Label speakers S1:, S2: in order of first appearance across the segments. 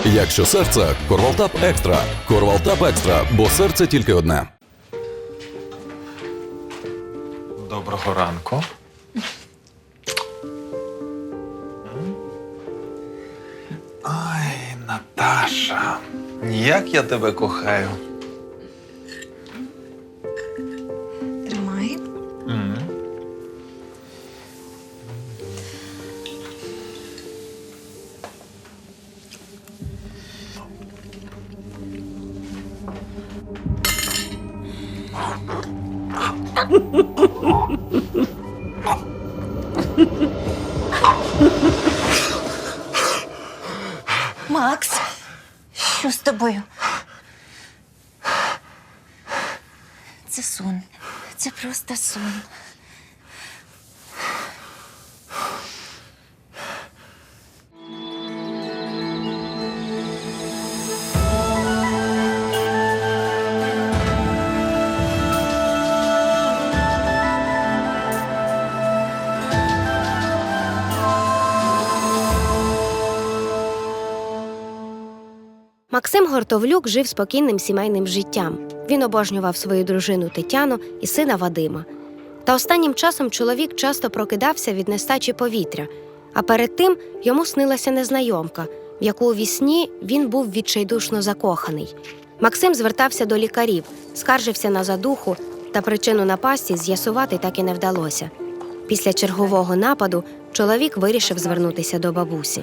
S1: Якщо серце – Корвалтап Екстра. Корвалтап Екстра, бо серце тільки одне.
S2: Доброго ранку. Ай, Наташа, як я тебе кохаю.
S3: Тримай. Макс, що з тобою? Це сон. Це просто сон.
S4: Максим Гортовлюк жив спокійним сімейним життям. Він обожнював свою дружину Тетяну і сина Вадима. Та останнім часом чоловік часто прокидався від нестачі повітря, а перед тим йому снилася незнайомка, в яку у вісні він був відчайдушно закоханий. Максим звертався до лікарів, скаржився на задуху, та причину напасті з'ясувати так і не вдалося. Після чергового нападу чоловік вирішив звернутися до бабусі.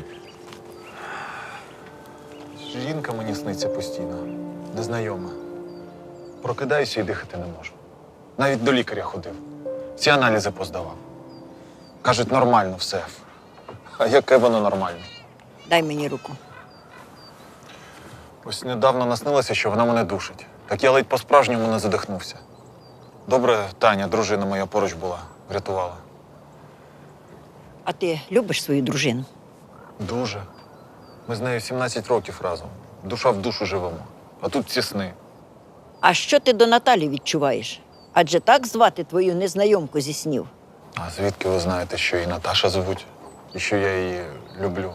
S2: Жінка мені сниться постійно, незнайома. Прокидаюся і дихати не можу. Навіть до лікаря ходив. Всі аналізи поздавав. Кажуть, нормально все. А яке воно нормально?
S5: Дай мені руку.
S2: Ось недавно наснилося, що вона мене душить. Так я ледь по-справжньому не задихнувся. Добре, Таня, дружина моя, поруч була, врятувала.
S5: А ти любиш свою дружину?
S2: Дуже. Ми з нею 17 років разом. Душа в душу живемо. А тут ці сни.
S5: А що ти до Наталі відчуваєш? Адже так звати твою незнайомку зі снів.
S2: А звідки ви знаєте, що її Наташа звуть? І що я її люблю?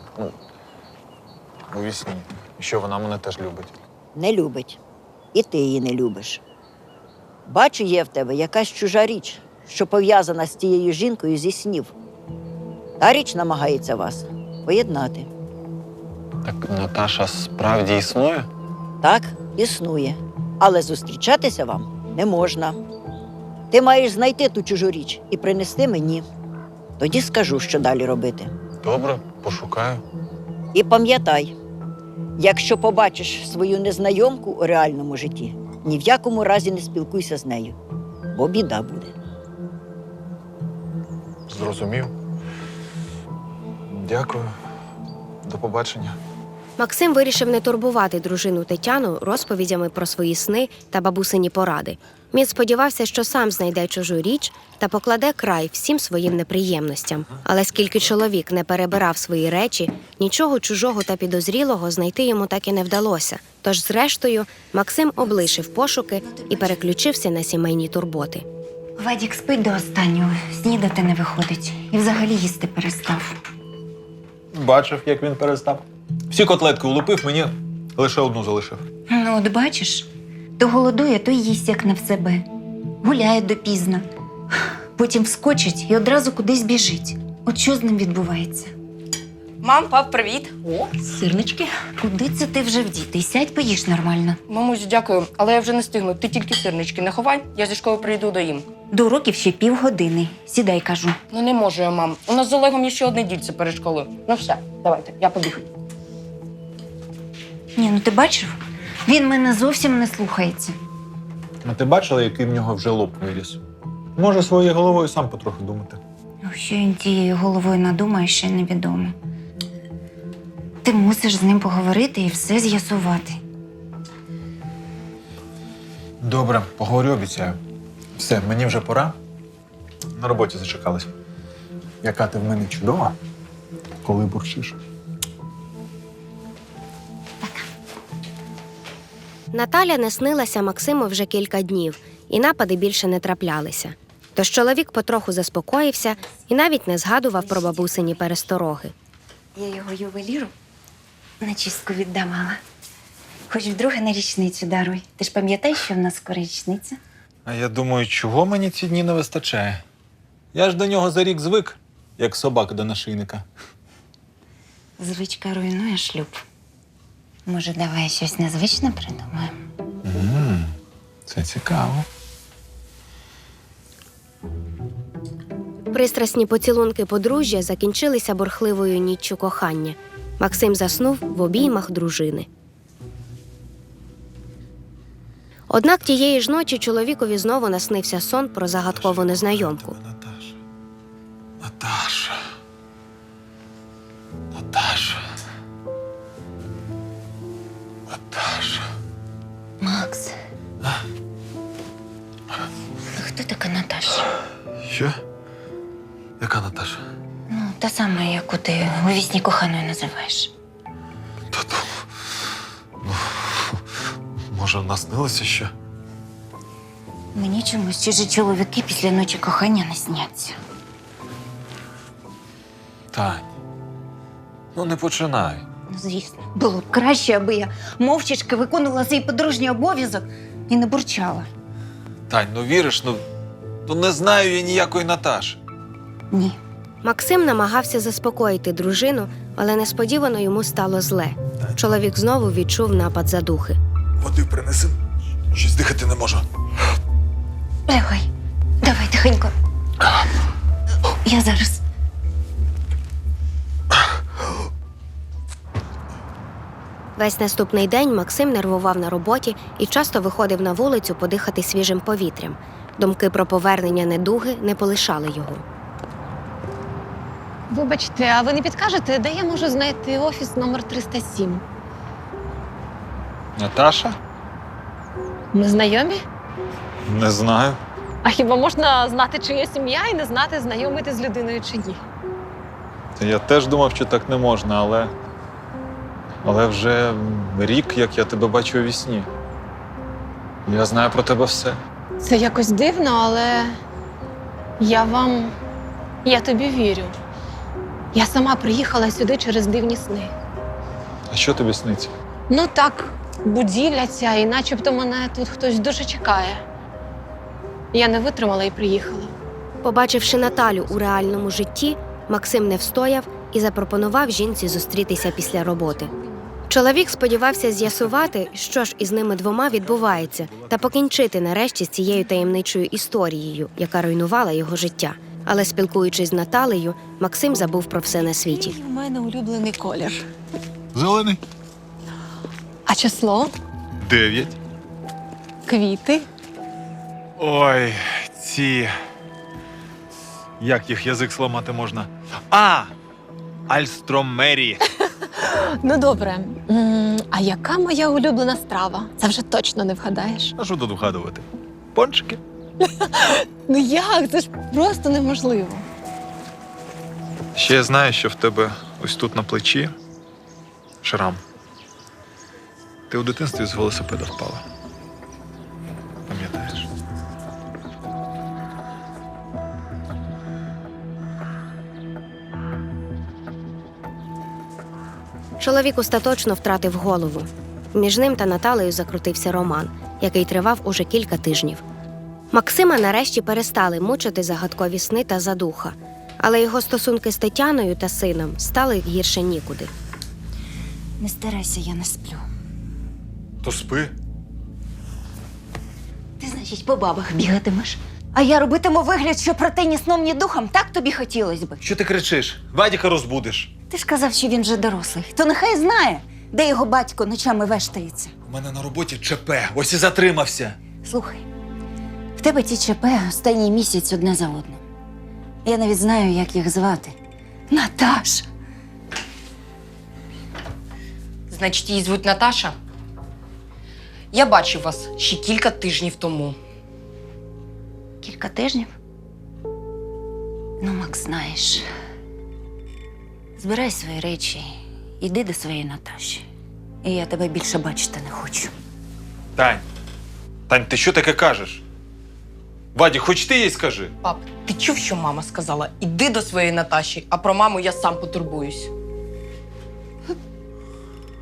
S2: У вісні. І що вона мене теж любить.
S5: Не любить. І ти її не любиш. Бачу, є в тебе якась чужа річ, що пов'язана з тією жінкою зі снів. Та річ намагається вас поєднати.
S2: Так Наташа справді існує?
S5: Так, існує. Але зустрічатися вам не можна. Ти маєш знайти ту чужу річ і принести мені. Тоді скажу, що далі робити.
S2: Добре, пошукаю.
S5: І пам'ятай, якщо побачиш свою незнайомку у реальному житті, ні в якому разі не спілкуйся з нею, бо біда буде.
S2: Зрозумів. Дякую. До побачення.
S4: Максим вирішив не турбувати дружину Тетяну розповідями про свої сни та бабусині поради. Він сподівався, що сам знайде чужу річ та покладе край всім своїм неприємностям. Але скільки чоловік не перебирав свої речі, нічого чужого та підозрілого знайти йому так і не вдалося. Тож, зрештою, Максим облишив пошуки і переключився на сімейні турботи.
S3: Вадік спить до останнього, снідати не виходить. І взагалі їсти перестав.
S2: Бачив, як він перестав. Всі котлетки улупив, мені лише одну залишив.
S3: Ну, от бачиш, то голодує, то їсть, як не в себе. Гуляє допізно. Потім вскочить і одразу кудись біжить. От що з ним відбувається?
S6: Мам, пап, привіт.
S3: О, сирнички. Куди це ти вже вдітий? Сядь, поїж нормально.
S6: Мамусь, дякую, але я вже не встигну. Ти тільки сирнички не ховай, я зі школи прийду доїм.
S3: До уроків ще півгодини. Сідай, кажу.
S6: Ну не можу я, мам. У нас з Олегом є ще одне дільце перед школою. Ну все, давайте, я побіг.
S3: Ні, ну ти бачив? Він мене зовсім не слухається.
S2: А ти бачила, який в нього вже лоб виріс? Може, своєю головою сам потроху думати.
S3: Що він тією головою надумає, ще невідомо. Ти мусиш з ним поговорити і все з'ясувати.
S2: Добре, поговорю, обіцяю. Все, мені вже пора. На роботі зачекалась. Яка ти в мене чудова, коли бурчиш.
S4: Наталя не снилася Максиму вже кілька днів, і напади більше не траплялися. Тож чоловік потроху заспокоївся і навіть не згадував про бабусині перестороги.
S3: Я його ювеліру На чистку віддавала. Хоч вдруге на річницю даруй. Ти ж пам'ятаєш, що в нас скоро річниця?
S2: А я думаю, чого мені ці дні не вистачає? Я ж до нього за рік звик, як собака до нашийника.
S3: Звичка руйнує шлюб. Може, давай щось незвичне придумаємо?
S2: Це цікаво.
S4: Пристрасні поцілунки подружжя закінчилися бурхливою ніччю кохання. Максим заснув в обіймах дружини. Однак тієї ж ночі чоловікові знову наснився сон про загадкову незнайомку.
S2: Наташа. Наташа. Наташа. Наташа.
S3: Макс. Хто така Наташа?
S2: Що? Яка Наташа?
S3: Ну, та сама, яку ти у вісні коханою називаєш.
S2: Та ну, може, наснилося що?
S3: Мені чомусь чужі чоловіки після ночі кохання не сняться.
S2: Тань, ну не починай.
S3: Ну, звісно, було б краще, аби я мовчачки виконувала свій подружній обов'язок і не бурчала.
S2: Тань, ну віриш, ну не знаю я ніякої Наташі.
S3: Ні.
S4: Максим намагався заспокоїти дружину, але несподівано йому стало зле. Чоловік знову відчув напад задухи.
S2: Води принеси. Щось дихати не можу.
S3: Лягай. Давай тихенько. Я зараз.
S4: Весь наступний день Максим нервував на роботі і часто виходив на вулицю подихати свіжим повітрям. Думки про повернення недуги не полишали його.
S7: Вибачте, а ви не підкажете, де я можу знайти офіс номер 307?
S2: Наташа?
S7: Ми знайомі?
S2: Не знаю.
S7: А хіба можна знати чиє ім'я і не знати, знайомити з людиною чи ні?
S2: Я теж думав, що так не можна, але вже рік, як я тебе бачу у вісні. Я знаю про тебе все.
S7: Це якось дивно, але я тобі вірю. Я сама приїхала сюди через дивні сни.
S2: А що тобі сниться?
S7: Ну так, будівля ця, і начебто мене тут хтось дуже чекає. Я не витримала і приїхала.
S4: Побачивши Наталю у реальному житті, Максим не встояв і запропонував жінці зустрітися після роботи. Чоловік сподівався з'ясувати, що ж із ними двома відбувається, та покінчити нарешті з цією таємничою історією, яка руйнувала його життя. Але спілкуючись з Наталею, Максим забув про все на світі.
S7: У мене улюблений колір.
S2: Зелений.
S7: А число?
S2: 9.
S7: Квіти?
S2: Ой, ці. Як їх язик зламати можна? Альстромері.
S7: Ну добре. А яка моя улюблена страва? Це вже точно не вгадаєш.
S2: А що тут вгадувати? Пончики?
S7: Ну як? Це ж просто неможливо.
S2: Ще я знаю, що в тебе ось тут на плечі шрам. Ти у дитинстві з велосипеда впала. Пам'ятаєш?
S4: Чоловік остаточно втратив голову. Між ним та Наталею закрутився роман, який тривав уже кілька тижнів. Максима нарешті перестали мучити загадкові сни та задуха, але його стосунки з Тетяною та сином стали гірше нікуди.
S3: Не старайся, я не сплю.
S2: То спи.
S3: Ти, значить, по бабах бігатимеш. А я робитиму вигляд, що про те ні сном, ні духом, так тобі хотілося би.
S2: Що ти кричиш? Вадіка розбудиш.
S3: Ти ж казав, що він вже дорослий. То нехай знає, де його батько ночами вештається.
S2: У мене на роботі ЧП, ось і затримався.
S3: Слухай, в тебе ті ЧП останній місяць одне за одним. Я навіть знаю, як їх звати. Наташа.
S6: Значить, її звуть Наташа? Я бачив вас ще кілька тижнів тому.
S3: Кілька тижнів? Ну, Макс, знаєш. Збирай свої речі, іди до своєї Наташі. І я тебе більше бачити не хочу.
S2: Тань, ти що таке кажеш? Ваді, хоч ти їй скажи.
S6: Пап, ти чув, що мама сказала? Іди до своєї Наташі, а про маму я сам потурбуюсь.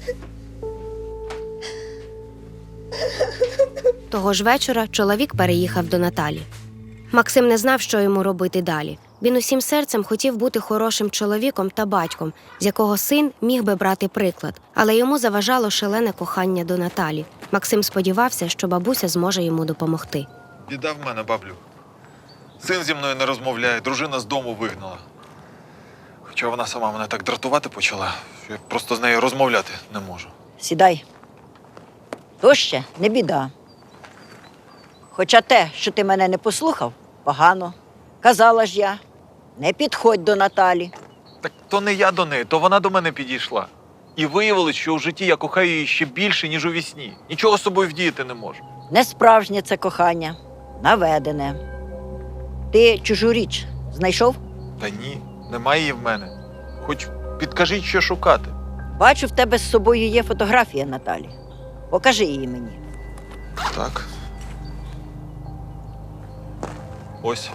S4: Того ж вечора чоловік переїхав до Наталі. Максим не знав, що йому робити далі. Він усім серцем хотів бути хорошим чоловіком та батьком, з якого син міг би брати приклад, але йому заважало шалене кохання до Наталі. Максим сподівався, що бабуся зможе йому допомогти.
S2: Біда в мене, баблю. Син зі мною не розмовляє, дружина з дому вигнала. Хоча вона сама мене так дратувати почала, що я просто з нею розмовляти не можу.
S5: Сідай. То ще не біда. Хоча те, що ти мене не послухав, погано. Казала ж я, не підходь до Наталі.
S2: Так то не я до неї, то вона до мене підійшла. І виявилось, що у житті я кохаю її ще більше, ніж у вісні. Нічого з собою вдіяти не можу.
S5: Не справжнє це кохання, наведене. Ти чужу річ знайшов?
S2: Та ні, немає її в мене. Хоч підкажіть, що шукати.
S5: Бачу, в тебе з собою є фотографія Наталі. Покажи її мені.
S2: Так. Ось.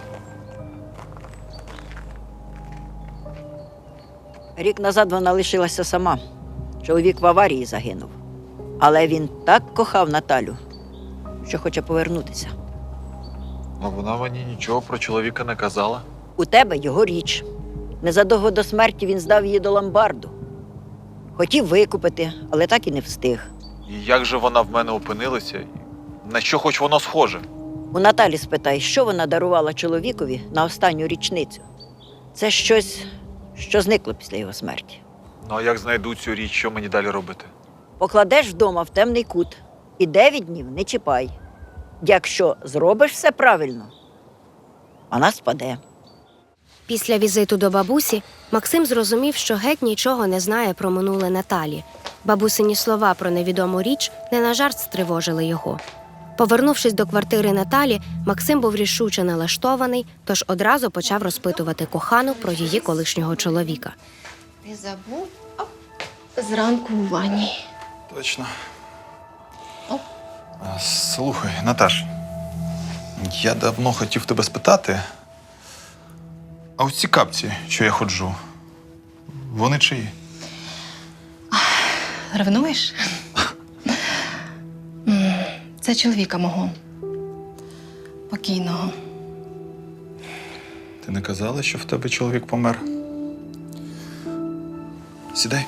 S5: Рік назад вона лишилася сама. Чоловік в аварії загинув. Але він так кохав Наталю, що хоче повернутися.
S2: А вона мені нічого про чоловіка не казала.
S5: У тебе його річ. Незадовго до смерті він здав її до ломбарду. Хотів викупити, але так і не встиг.
S2: І як же вона в мене опинилася? І на що хоч воно схоже?
S5: У Наталі спитай, що вона дарувала чоловікові на останню річницю. Це щось, що зникло після його смерті.
S2: Ну а як знайду цю річ, що мені далі робити?
S5: Покладеш вдома в темний кут і 9 днів не чіпай. Якщо зробиш все правильно, вона спаде.
S4: Після візиту до бабусі Максим зрозумів, що геть нічого не знає про минуле Наталі. Бабусині слова про невідому річ не на жарт стривожили його. Повернувшись до квартири Наталі, Максим був рішуче налаштований, тож одразу почав розпитувати кохану про її колишнього чоловіка.
S7: Ти забув? Зранку у ванні.
S2: Точно.
S7: Оп.
S2: Слухай, Наташ, я давно хотів тебе спитати, а ось ці капці, що я ходжу, вони чиї?
S7: Ревнуєш? Це чоловіка мого. Покійного.
S2: Ти не казала, що в тебе чоловік помер? Сідай.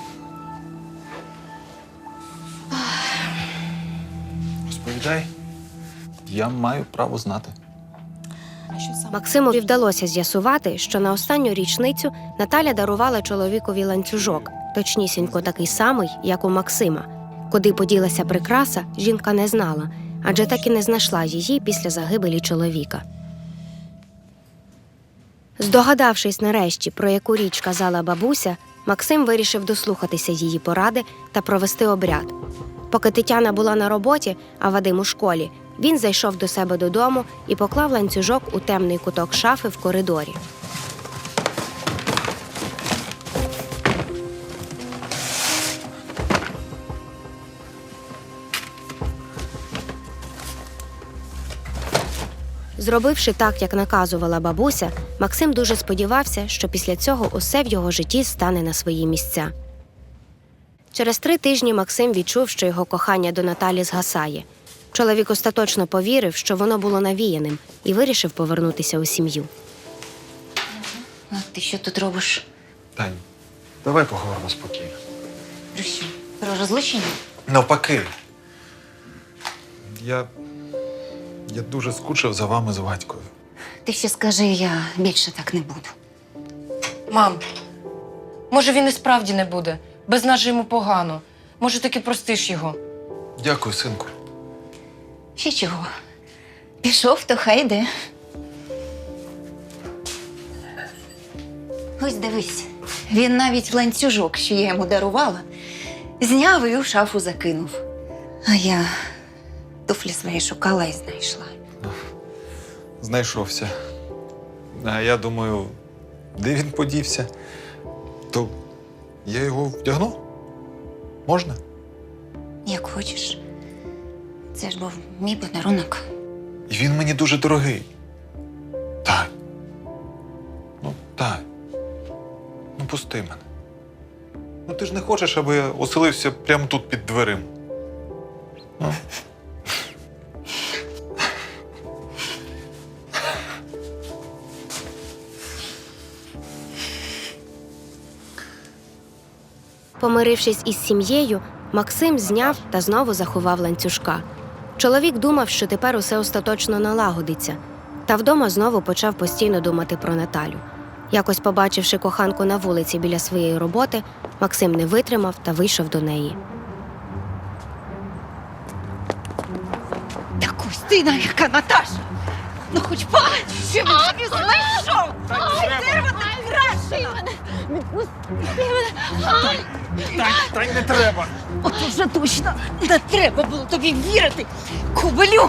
S2: Розповідай. Я маю право знати.
S4: Максимові вдалося з'ясувати, що на останню річницю Наталя дарувала чоловікові ланцюжок, точнісінько такий самий, як у Максима. Куди поділася прикраса, жінка не знала, адже так і не знайшла її після загибелі чоловіка. Здогадавшись нарешті, про яку річ казала бабуся, Максим вирішив дослухатися її поради та провести обряд. Поки Тетяна була на роботі, а Вадим у школі, він зайшов до себе додому і поклав ланцюжок у темний куток шафи в коридорі. Зробивши так, як наказувала бабуся, Максим дуже сподівався, що після цього усе в його житті стане на свої місця. Через 3 тижні Максим відчув, що його кохання до Наталі згасає. Чоловік остаточно повірив, що воно було навіяним, і вирішив повернутися у сім'ю.
S3: А ти що тут робиш?
S2: Тань, давай поговоримо спокійно.
S3: Про що? Про розлучення?
S2: Навпаки. Я дуже скучив за вами з Вадькою.
S3: Ти ще скажи, я більше так не буду.
S6: Мам, може він і справді не буде. Без нас же йому погано. Може, таки простиш його.
S2: Дякую, синку.
S3: Ще чого? Пішов, то хай йде. Ось дивись, він навіть ланцюжок, що я йому дарувала, зняв і у шафу закинув. А я туфлі свої шукала і знайшла.
S2: Знайшовся. А я думаю, де він подівся? То я його вдягну? Можна?
S3: Як хочеш. Це ж був мій подарунок.
S2: І він мені дуже дорогий. Так. Ну, так. Ну, пусти мене. Ну ти ж не хочеш, аби я оселився прямо тут під дверима. Ну.
S4: Помирившись із сім'єю, Максим зняв та знову заховав ланцюжка. Чоловік думав, що тепер усе остаточно налагодиться, та вдома знову почав постійно думати про Наталю. Якось побачивши коханку на вулиці біля своєї роботи, Максим не витримав та вийшов до неї.
S3: Так ось ти яка Наташа! Ну хоч палець, що він тобі знайшов! Дерево так крашено!
S2: Та й не треба.
S3: От уже точно не треба було тобі вірити, кобелю!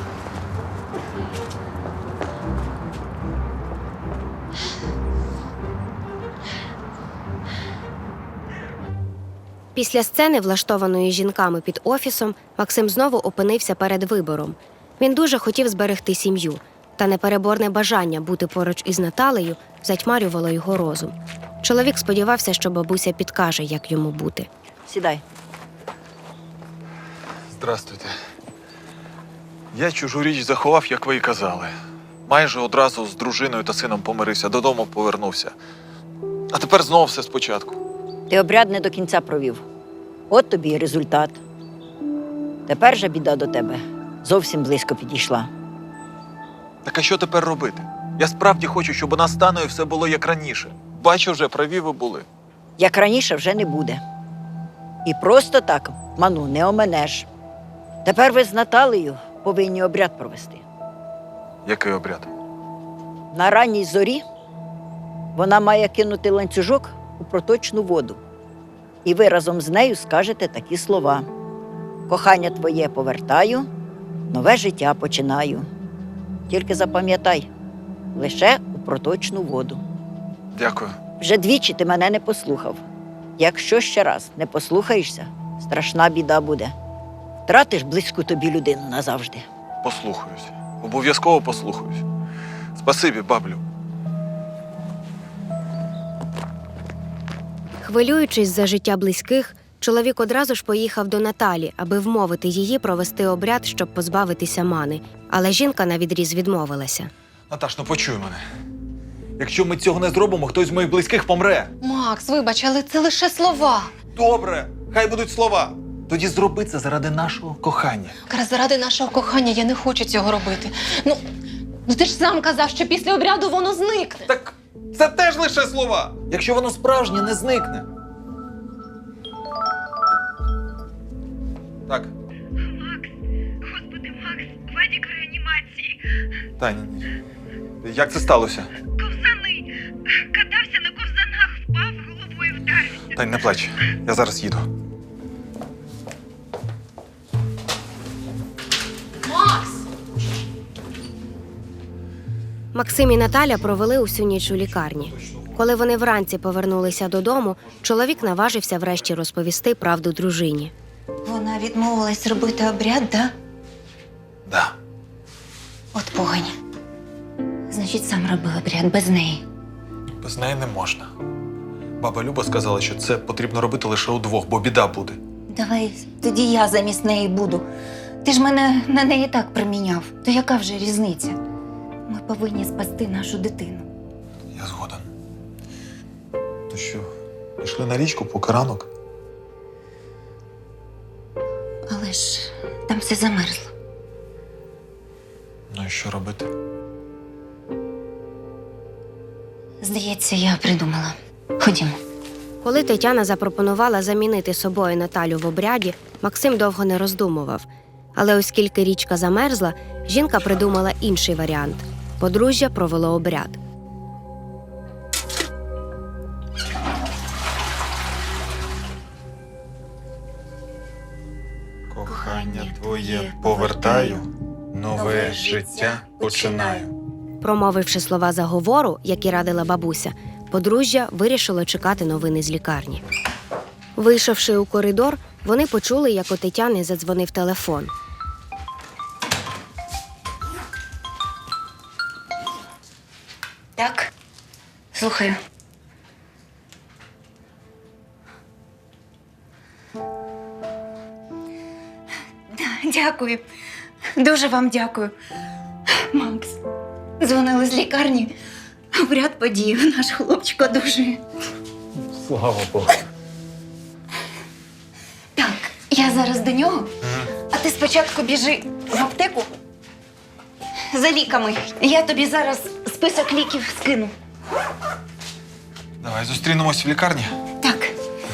S4: Після сцени, влаштованої жінками під офісом, Максим знову опинився перед вибором. Він дуже хотів зберегти сім'ю, та непереборне бажання бути поруч із Наталею затьмарювало його розум. Чоловік сподівався, що бабуся підкаже, як йому бути.
S5: Сідай.
S2: Здрастуйте. Я чужу річ заховав, як ви і казали. Майже одразу з дружиною та сином помирився, додому повернувся. А тепер знову все спочатку.
S5: Ти обряд не до кінця провів. От тобі і результат. Тепер же біда до тебе зовсім близько підійшла.
S2: Так а що тепер робити? Я справді хочу, щоб у нас з Таною все було як раніше. Бачу вже, праві ви були.
S5: Як раніше вже не буде. І просто так ману не оминеш. Тепер ви з Наталею повинні обряд провести.
S2: Який обряд?
S5: На ранній зорі вона має кинути ланцюжок у проточну воду. І ви разом з нею скажете такі слова: «Кохання твоє повертаю, нове життя починаю». Тільки запам'ятай, лише у проточну воду.
S2: Дякую.
S5: Вже двічі ти мене не послухав. Якщо ще раз не послухаєшся, страшна біда буде. Втратиш близьку тобі людину назавжди.
S2: Послухаюсь. Обов'язково послухаюсь. Спасибі, баблю.
S4: Хвилюючись за життя близьких, чоловік одразу ж поїхав до Наталі, аби вмовити її провести обряд, щоб позбавитися мани. Але жінка навідріз відмовилася.
S2: Наташ, ну почуй мене. Якщо ми цього не зробимо, хтось з моїх близьких помре.
S7: Макс, вибач, але це лише слова.
S2: Добре, хай будуть слова. Тоді зроби це заради нашого кохання.
S7: Якраз заради нашого кохання я не хочу цього робити. Ну ти ж сам казав, що після обряду воно зникне.
S2: Так це теж лише слова. Якщо воно справжнє, не зникне. Так.
S8: Макс, господи, Макс, Вадік в реанімації.
S2: Таня, як це сталося?
S8: Ковзани. Катався на ковзанах, впав, головою вдарився.
S2: Тань, не плач. Я зараз їду.
S7: Макс!
S4: Максим і Наталя провели усю ніч у лікарні. Коли вони вранці повернулися додому, чоловік наважився врешті розповісти правду дружині.
S3: Вона відмовилась робити обряд, да?
S2: Да.
S3: От погань. Значить, сам робив обряд без неї.
S2: Без неї не можна. Баба Люба сказала, що це потрібно робити лише удвох, бо біда буде.
S3: Давай тоді я замість неї буду. Ти ж мене на неї так приміняв. То яка вже різниця? Ми повинні спасти нашу дитину.
S2: Я згоден. То що, пішли на річку по ранок?
S3: Але ж там все замерзло.
S2: Ну і що робити?
S3: Здається, я придумала. Ходімо.
S4: Коли Тетяна запропонувала замінити собою Наталю в обряді, Максим довго не роздумував. Але оскільки річка замерзла, жінка придумала інший варіант. Подружжя провело обряд.
S2: Кохання твоє повертаю, нове життя починаю.
S4: Промовивши слова заговору, які радила бабуся, подружжя вирішило чекати новини з лікарні. Вийшовши у коридор, вони почули, як у Тетяни задзвонив телефон.
S3: Так? Слухаю. Дякую. Дуже вам дякую. Макс, дзвонили з лікарні. Обряд подіяв, наш хлопчик одужує.
S2: Слава Богу.
S3: Так, я зараз до нього, а ти спочатку біжи в аптеку за ліками. Я тобі зараз список ліків скину.
S2: Давай зустрінемось в лікарні.
S3: Так.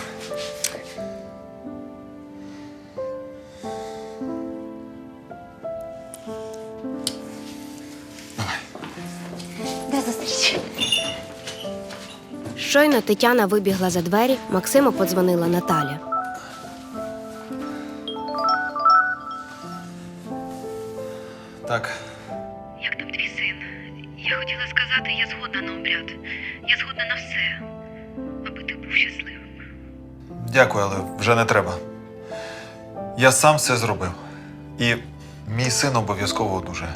S2: Давай.
S3: До зустрічі.
S4: Щойно Тетяна вибігла за двері, Максиму подзвонила Наталя.
S2: Так.
S8: Як там твій син? Я хотіла сказати, я згодна на обряд. Я згодна на все, аби ти був щасливим.
S2: Дякую, але вже не треба. Я сам все зробив. І мій син обов'язково одужає.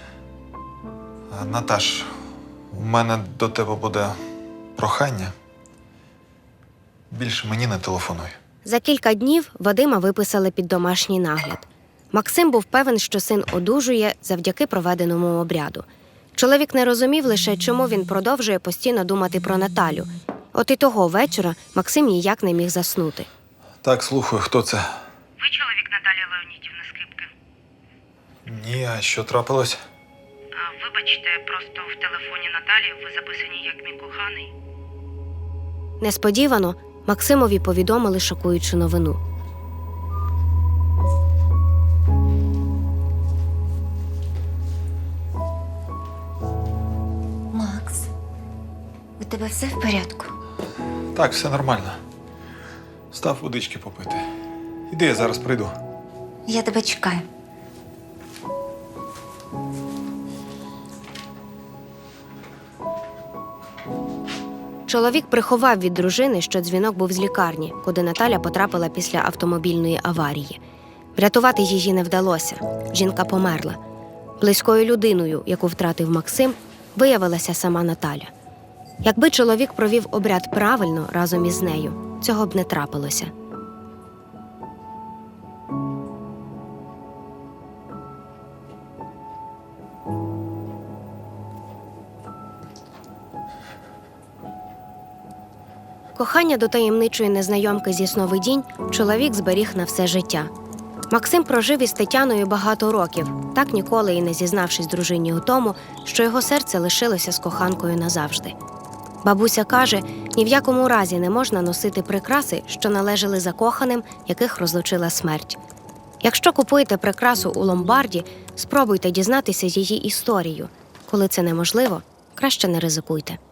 S2: Наташ, у мене до тебе буде прохання. Більше мені не телефонуй.
S4: За кілька днів Вадима виписали під домашній нагляд. Максим був певен, що син одужує завдяки проведеному обряду. Чоловік не розумів лише, чому він продовжує постійно думати про Наталю. От і того вечора Максим ніяк не міг заснути.
S2: Так, слухаю, хто це?
S8: Ви чоловік Наталії Леонідівни Скрипки?
S2: Ні, а що трапилось?
S8: Вибачте, просто в телефоні Наталії ви записані як мій коханий.
S4: Несподівано Максимові повідомили шокуючу новину.
S3: Макс, у тебе все в порядку?
S2: Так, все нормально. Став водички попити. Іди, я зараз прийду.
S3: Я тебе чекаю.
S4: Чоловік приховав від дружини, що дзвінок був з лікарні, куди Наталя потрапила після автомобільної аварії. Врятувати її не вдалося. Жінка померла. Близькою людиною, яку втратив Максим, виявилася сама Наталя. Якби чоловік провів обряд правильно разом із нею, цього б не трапилося. Кохання до таємничої незнайомки зі сновидінь чоловік зберіг на все життя. Максим прожив із Тетяною багато років, так ніколи і не зізнавшись дружині у тому, що його серце лишилося з коханкою назавжди. Бабуся каже, ні в якому разі не можна носити прикраси, що належали закоханим, яких розлучила смерть. Якщо купуєте прикрасу у ломбарді, спробуйте дізнатися її історію. Коли це неможливо, краще не ризикуйте.